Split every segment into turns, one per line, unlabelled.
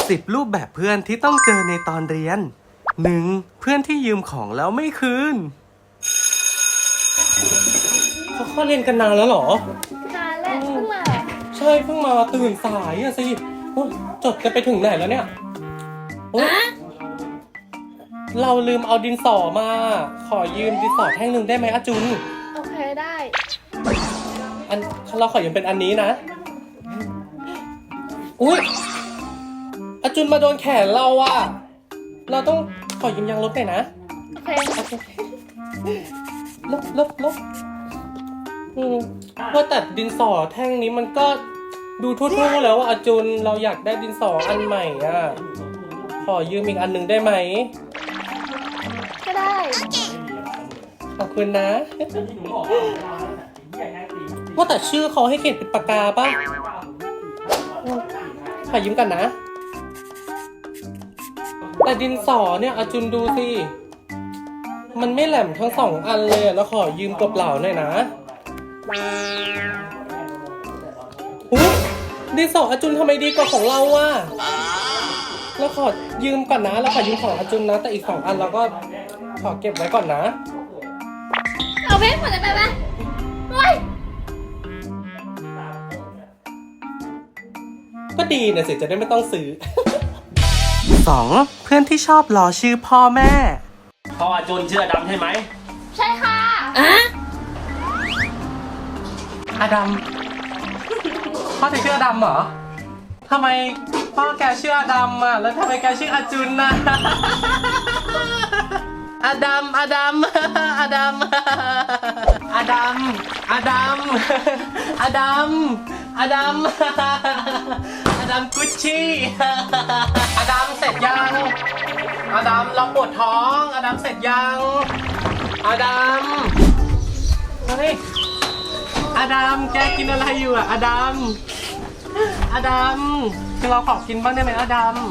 10 รูปแบบเพื่อนที่ต้องเจอในตอนเรียน 1. เพื่อนที่ยืมของแล้วไม่คืนเขาเข้าเรียนกันนานแล้วเหรอ
นานแล้วเพิ่งมา
ใช่เพิ่งมาตื่นสายอะสิโอ้ยจดกันไปถึงไหนแล้วเนี่ยโอ๊ยเราลืมเอาดินสอมา ขอยืมดินสอแท่งหนึ่งได้ไหมอาจุน
โอเคได้
เราขอยืมเป็นอันนี้นะ อุ๊ยอาจุนมาโดนแขนเราอะเราต้องขอยืมยางลบหน่อยนะ
โอเค
ลบว่าแต่ดินสอแท่งนี้มันก็ดูทั่วๆแล้วว่าอาจุนเราอยากได้ดินสออันใหม่อ่ะขอยืมอีกอันหนึ่งได้ไหม
ก็ได้
ขอบคุณนะ ว่าแต่ชื่อเขาให้เขียนเป็นปากกาป่ะขอยืมกันนะ แต่ดินสอเนี่ยอาจุนดูสิมันไม่แหลมทั้งสองอันเลยแล้วขอยืมกบเหล่าหน่อยนะดินสออาจุนทำไมดีกว่าของเราวะเราขอยืมก่อนนะเราขอยืมของอาจุนนะแต่อีก2 อันเราก็ขอเก็บไว้ก่อนนะ
เอาเพชรหมดเลยไปไหมเฮ้ย
ก็ดีนะสิจะได้ไม่ต้องซื้อ 2. เพื่อนที่ชอบล้อชื่อพ่อแม่
พ่ออาจุนเชื่อดำใช่ไหม
ใช่ค่ะ
อดัมพ่อจะชื่ออดัมเหรอทำไมพ่อแกชื่ออดัมอ่ะแล้วทำไมแกชื่ออาจุนน่ะ อดัมอดัมอดัมอดัมอดัมอดัมอดัมอดัมกุชชี่อดัมเสร็จยังอดัมเราปวดท้องอดัมเสร็จยังอดัมเฮ้ยอดัมแกกินอะไรอยู่อ่ะอดัมอดัมคือเราขอกินบ้างได้ไหมอดัม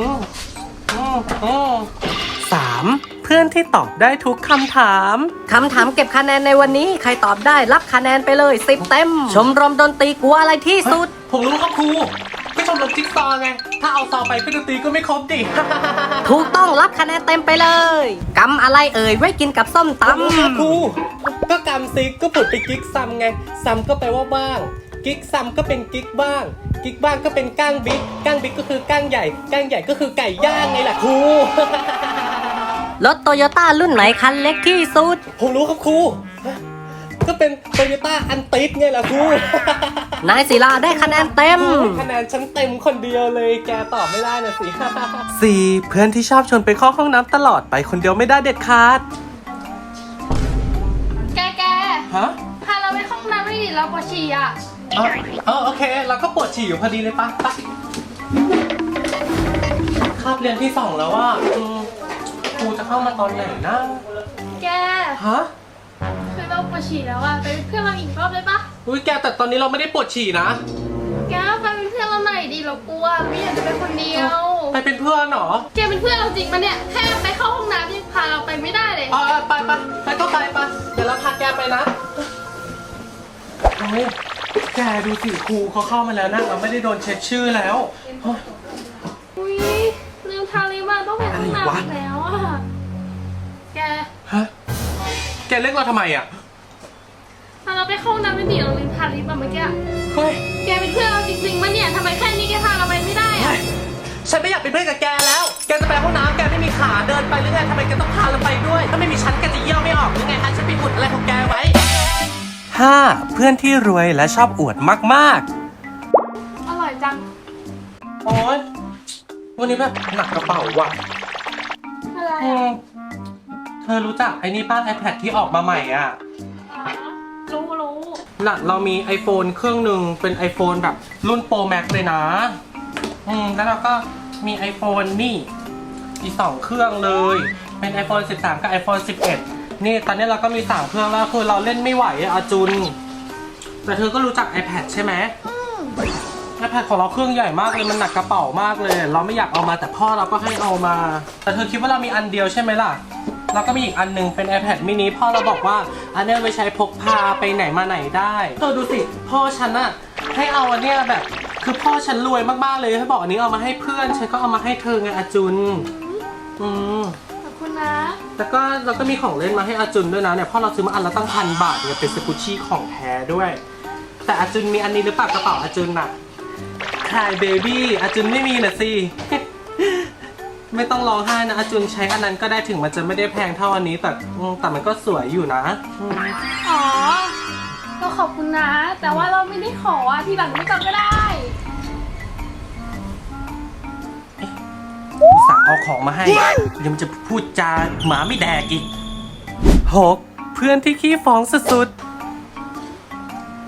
3. เพื่อนที่ตอบได้ทุกคำถาม
เก็บคะแนนในวันนี้ใครตอบได้รับคะแนนไปเลย10 เต็ม ชมรมดนตรีกลัวอะไรที่สุด
ผมรู้ครับครูก็ชมรมจิ๊กซอว์ไงถ้าเอาซอไปเพื่อนดนตรีก็ไม่ครบดิ
ถูกต้องรับคะแนนเต็มไปเลยกำอะไรเอ่ยไว้กินกับส้มต
ครูก็กำซิกก็ผุดไปกิ๊กซัมไงซัมก็แปลว่าบ้างกิ๊กซัมก็เป็นกิ๊กบ้างกิ๊กบ้างก็เป็นก้างบิ๊กก็คือก้างใหญ่ก้างใหญ่ก็คือไก่ย่างไงล่ะครู
ำรถโตโยต้ารุ่นไหนคันเล็กที่สุด
ผมรู้ครับครูก็เป็นโตโยต้าอันติดไงล่ะครู
นายศิลาได้คะแนนเต็ม
คะแนนฉันเต็มคนเดียวเลยแกตอบไม่ได้นะสิ 4. เพื่อนที่ชอบชวนไปเข้าห้องน้ำตลอดไปคนเดียวไม่ได้เด็ดขาด
แก
ฮะ
พาเราไปเข้าห้องน้ำไม่ดีเราปวดฉี่อ่ะ
โอเคเราก็ปวดฉี่อยู่พอดีเลยปะคาบเรียนที่ 2 แล้วว่าครูจะเข้ามาตอนไหนนะ
แก
ฮะ
คือเราปวดฉี่แล้วอ่ะไปเป็นเพื่อนเราอีกรอบได้ปะ
อุ้ยแกแต่ตอนนี้เราไม่ได้ปวดฉี่นะ
แกไปเป็นเพื่อนเราหน่อยดิเรากลัวไม่อยากจะไปคนเดียว
ไปเป็นเพื่อนเหรอ
แกเป็นเพื่อนเราจริงปะเนี่ยแค่ไปเข้าห้องน้ำยังพาเราไปไม่ได้เลย
ไปก็ไปเดี๋ยวเราพาแกไปนะโอ้ยแกดูสิครูเขาเข้ามาแล้วนะเราไม่ได้โดนเช็คชื่อแล้วเฮ้ย
อุ้ยลืมทาลิปอ่ะต้องไปห้องน้ำอีกแล้วอ่ะแก
ฮะแกเรียกเราทำไมอ่ะ
พาเราไปเข้าห้องน้ำไม่ดีเราลืมทาลิปอ่ะเมื่อกี้
เฮ้ย
แกเป็นเพื่อนเราจริงๆปะเนี่ยทำไมแค่นี้แกพาเราไปไม่ได้อะ
ฉันไม่อยากเป็นเพื่อนกับแกแล้ว แกจะไปห้องน้ำแกไม่มีขาเดินไปหรือไงทำไมแกต้องพาเราไปด้วย ถ้าไม่มีฉันแกจะเยี่ยวไม่ออกหรือไงฮะฉันไปอุดอะไรของแกไว้ 5. เพื่อนที่รวยและชอบอวดมาก
อร่อยจัง
ๆโอ๊ยวันนี้แบบหนักกระเป๋าว่ะ
อะไร
เธอรู้จักไอ้นี่ป้า iPad ที่ออกมาใหม่อ่ะ
รู้
น่ะเรามี iPhone เครื่องหนึ่งเป็น iPhone แบบรุ่น Pro Max เลยนะแล้วเราก็มี iPhone นี่อีก2เครื่องเลย เป็น iPhone 13 กับ iPhone 11 นี่ตอนนี้เราก็มี3เครื่องแล้วคือเราเล่นไม่ไหวอะอาจุน แต่เธอก็รู้จัก iPad ใช่ไหมiPad ของเราเครื่องใหญ่มากเลยมันหนักกระเป๋ามากเลย เราไม่อยากเอามาแต่พ่อเราก็ให้เอามา แต่เธอคิดว่าเรามีอันเดียวใช่ไหมล่ะ แล้วก็มีอีกอันหนึงเป็น iPad mini พ่อเราบอกว่าอันนี้ไว้ใช้พกพาไปไหนมาไหนได้เธอดูสิพ่อฉันอะให้เอาอันเนี้ยแบบคือพ่อฉันรวยมากๆเลยให้บอกอันนี้เอามาให้เพื่อนฉันก็เอามาให้เธอไงอาจุน
ขอบคุณนะ
แล้วก็เราก็มีของเล่นมาให้อาจุนด้วยนะเนี่ยพ่อเราซื้อมาอันละตั้ง1,000 บาทเนี่ยเป็นสกุชชี่ของแท้ด้วยแต่อาจุนมีอันนี้หรือเปล่ากระเป๋าอาจุนน่ะCry Baby อาจุนไม่มีน่ะสิ ไม่ต้องร้องไห้นะอาจุนใช้อันนั้นก็ได้ถึงมันจะไม่ได้แพงเท่าอันนี้แต่มันก็สวยอยู่นะ
อ๋อก็ขอบคุณนะ แต่ว่าเราไม่ได้ขอทีหลังไม่ต้องก็ได้
สั่งเอาของมาให้เดี๋ยวมันจะพูดจาหมาไม่แดกอีก6เพื่อนที่ขี้ฟ้องสุดๆ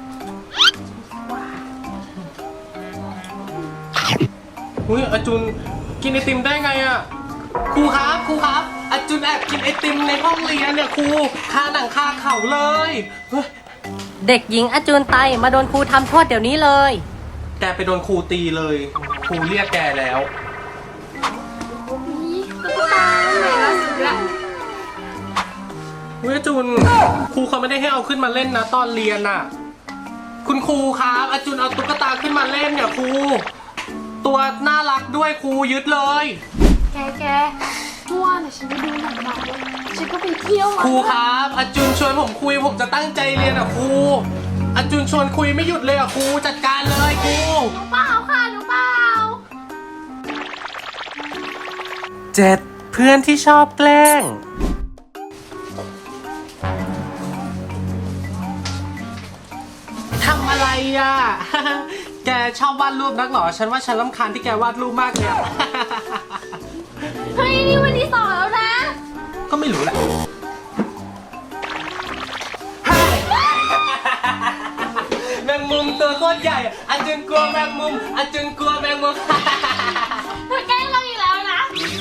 อุ้ยอาจุนกินไอติมได้ไงอ่ะครูครับอาจุนแอบกินไอติมในห้องเรียนเนี่ยครูคาหนังคาเข่าเลย
เด็กหญิงอาจูนไตมาโดนครูทำโทษเดี๋ยวนี้เลย
แกไปโดนครูตีเลยครูเรียกแกแล้ว
นี่ตุ๊กตาไหนล่ะสุดละ
เฮ้ยอาจุนครูเขาไม่ได้ให้เอาขึ้นมาเล่นนะตอนเรียนน่ะคุณครูครับอาจุนเอาตุ๊กตาขึ้นมาเล่นเนี่ยครูตัวน่ารักด้วยครูยึดเลย
แกเมื่อวานฉันไปดูหนังมาด้วยฉันก็ไปเที่ยวมา
ครูครับอาจุนชวนผมคุยผมจะตั้งใจเรียนอ่ะครูอาจุนชวนคุยไม่หยุดเลยอ่ะครูจัดการเลยครู
หนูเปล่าค่ะหนูเปล่า
7เพื่อนที่ชอบแกล้งทำอะไรอ่ะ แกชอบวาดรูปนักหรอฉันว่าฉันรำคาญที่แกวาดรูปมากเลยอ่ะ
เฮ้ยนี่วันที่2แล้วนะ
ก็ไม่รู้แหละแมงมุมตัวโคตรใหญ่อาจุนกลัวแมงมุมอาจุนกลัวแมงมุม
เธอแกล้งเราอีกแล้วนะ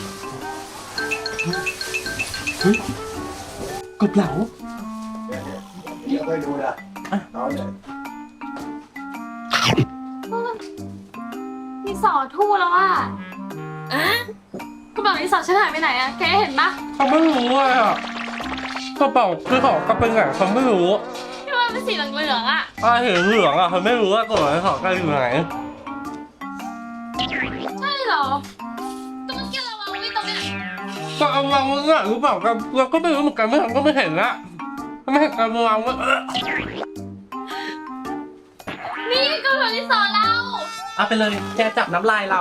กบเหลา
เดี๋ยวค่อยดูนะเอาเลย
มีสอทู่แล้วอ่ะกระเป๋าที่สอฉันหายไปไหนอ่ะแกเห็นปะ
เขาไม่รู้อ่ะกระเป๋าคือของกระเป๋าไหนเขาไม่รู้
ที่ว่าเป็นสีเหลืองๆอ่ะ
เห็นเหลืองอ่ะเขาไม่รู้ว่ากระเป๋าที่ของกันอยู่ไหน
ใช่เหรอก็เมื่อกี้เราวางไว้ตรงนี้
ก็เอาวางไว้หรือเปล่ากันเราก็ไม่รู้เหมือนกันไม่เห็นก็ไม่เห็นละไม่เห็นการวางไว้
นี่กระเป๋าที่สอเรา
เอาไปเลยแกจับน้ำลายเรา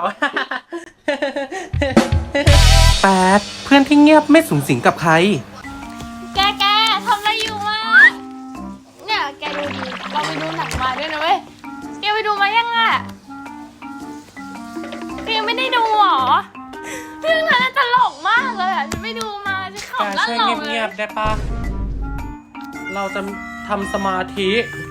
8เพื่อนที่เงียบไม่สุงสิงกับใคร
แกทำอะไรอยู่วะเนี่ยแกดูดิเราไปดูหนังมาด้วยนะเว้ยแกไปดูมายังอ่ะแกยังไม่ได้ดูหรอเรื่องนั้นตลกมากเลยอ่ะฉันไปดูมาฉันขำลั่นหลงเลย
เงียบได้ปะเราจะทำสมาธิ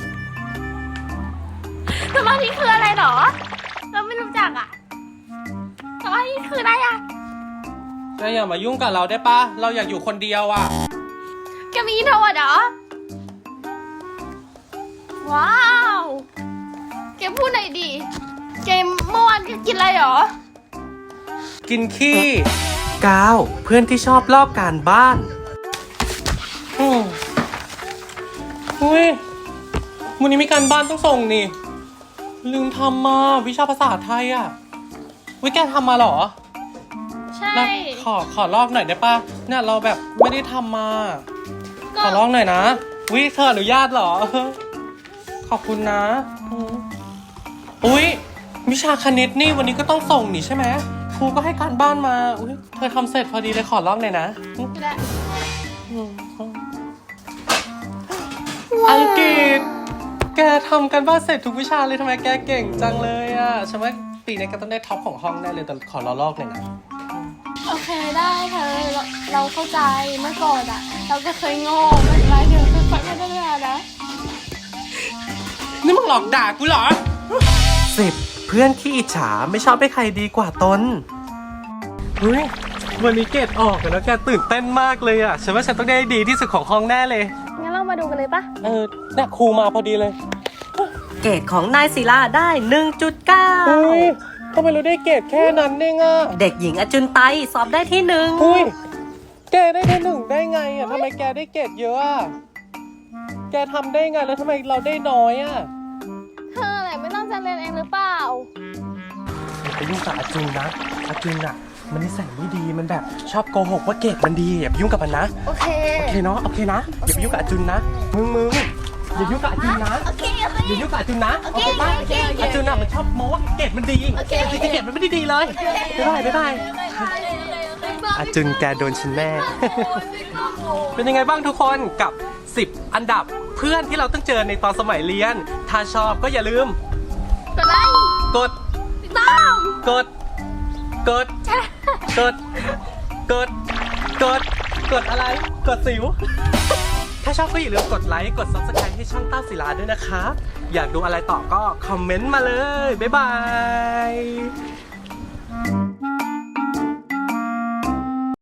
สมาธิคืออะไรหรอเราไม่รู้จักอ่ะสมาธิคืออะไรอ่ะ
แกอย่ามายุ่งกับเราได้ปะเราอยากอยู่คนเดียวอ่ะ
แกมีอินโทรเวิร์ตเหรอว้าวแกพูดหน่อยดิแกเมื่อวานแกกินอะไรหรอ
กินขี้9เพื่อนที่ชอบลอกการบ้านอุ้ยวันนี้มีการบ้านต้องส่งนี่ลืมทำมาวิชาภาษาไทยอ่ะวิแกทำมาเหรอ
ใช่
ขอลอกหน่อยได้ปะเนี่ยเราแบบไม่ได้ทำมาขอลอกหน่อยนะวิเธออนุญาตเหรอขอบคุณนะอุ้ยวิชาคณิตนี่วันนี้ก็ต้องส่งนี่ใช่ไหมครูก็ให้การบ้านมาอุ้ยเธอทำเสร็จพอดีเลยขอลอกหน่อยนะอังกฤษแกทำกันบ้านเสร็จทุกวิชาเลยทำไมแกเก่งจังเลยอ่ะฉันว่าปีนี้แกต้องได้ท็อปของห้องแน่เลยแต่ขอลอกเลยนะ
โอเคได้เธอเราเข้าใจเมื่อก่อนอ่ะเราก็เคยโง่ไม่เป็นไรเดี๋ยวค่อยๆพัฒนานะ
นี่มึงหลอกด่ากูเหรอ10เพื่อนขี้อิจฉาไม่ชอบให้ใครดีกว่าตนเฮ้ยวันนี้เกรดออกแล้วแกตื่นเต้นมากเลยอ่ะฉันว่าฉันต้องได้ดีที่สุดของห้องแน่เลย
งั้นเรามาดูกันเลยปะ
เนี่ยครูมาพอดีเลย
เกรดของนายศิลาได้ 1.9
อุ้ยทำไมเราได้เกรดแค่นั้นเองอ่ะ
เด็กหญิงอาจุนไตสอบได้ที่1
อุ้ยแกได้ที่1ได้ไงอ่ะทำไมแกได้เกรดเยอะอ่ะแกทำได้ไงแล้วทำไมเราได้น้อยอ่ะ
เธออะไรไม่ตั้งใจเรียนเองหรือเปล่า
ยุ่งกับอาจุนนะอาจุนอ่ะมันนิสัยไม่ดีมันแบบชอบโกหกว่าเกรดมันดีอย่าไปยุ่งกับมันนะ
โอเค
โอเคเนาะโอเคนะอย่าไปยุ่งกับอาจุนนะมึงอย่ายุ่งกับอาจุนนะ
โอเคโอเค
อย่ายุ่งกับอาจุนนะ
โอเค
ป่ะ
โอเคโอเค
อาจุนอ่ะมันชอบโม้ว่าเกรดมันดี
โอเค
จริงๆเกรดมันไม่ได้ดีเลยบ๊ายบายอาจุนแกโดนฉันแน่ เป็นยังไงบ้างทุกคนกับ 10 อันดับเพื่อนที่เราต้องเจอในตอนสมัยเรียน ถ้าชอบก็อย่าลืม
กดไลค์
กด
ติดตาม
กด กด กด กด กด กดอะไร กดสิว ถ้าชอบก็อย่าลืมกดไลค์ กด subscribe ให้ช่องเต้าศิลาด้วยนะครับ อยากดูอะไรต่อก็คอมเมนต์มาเลย บ๊ายบาย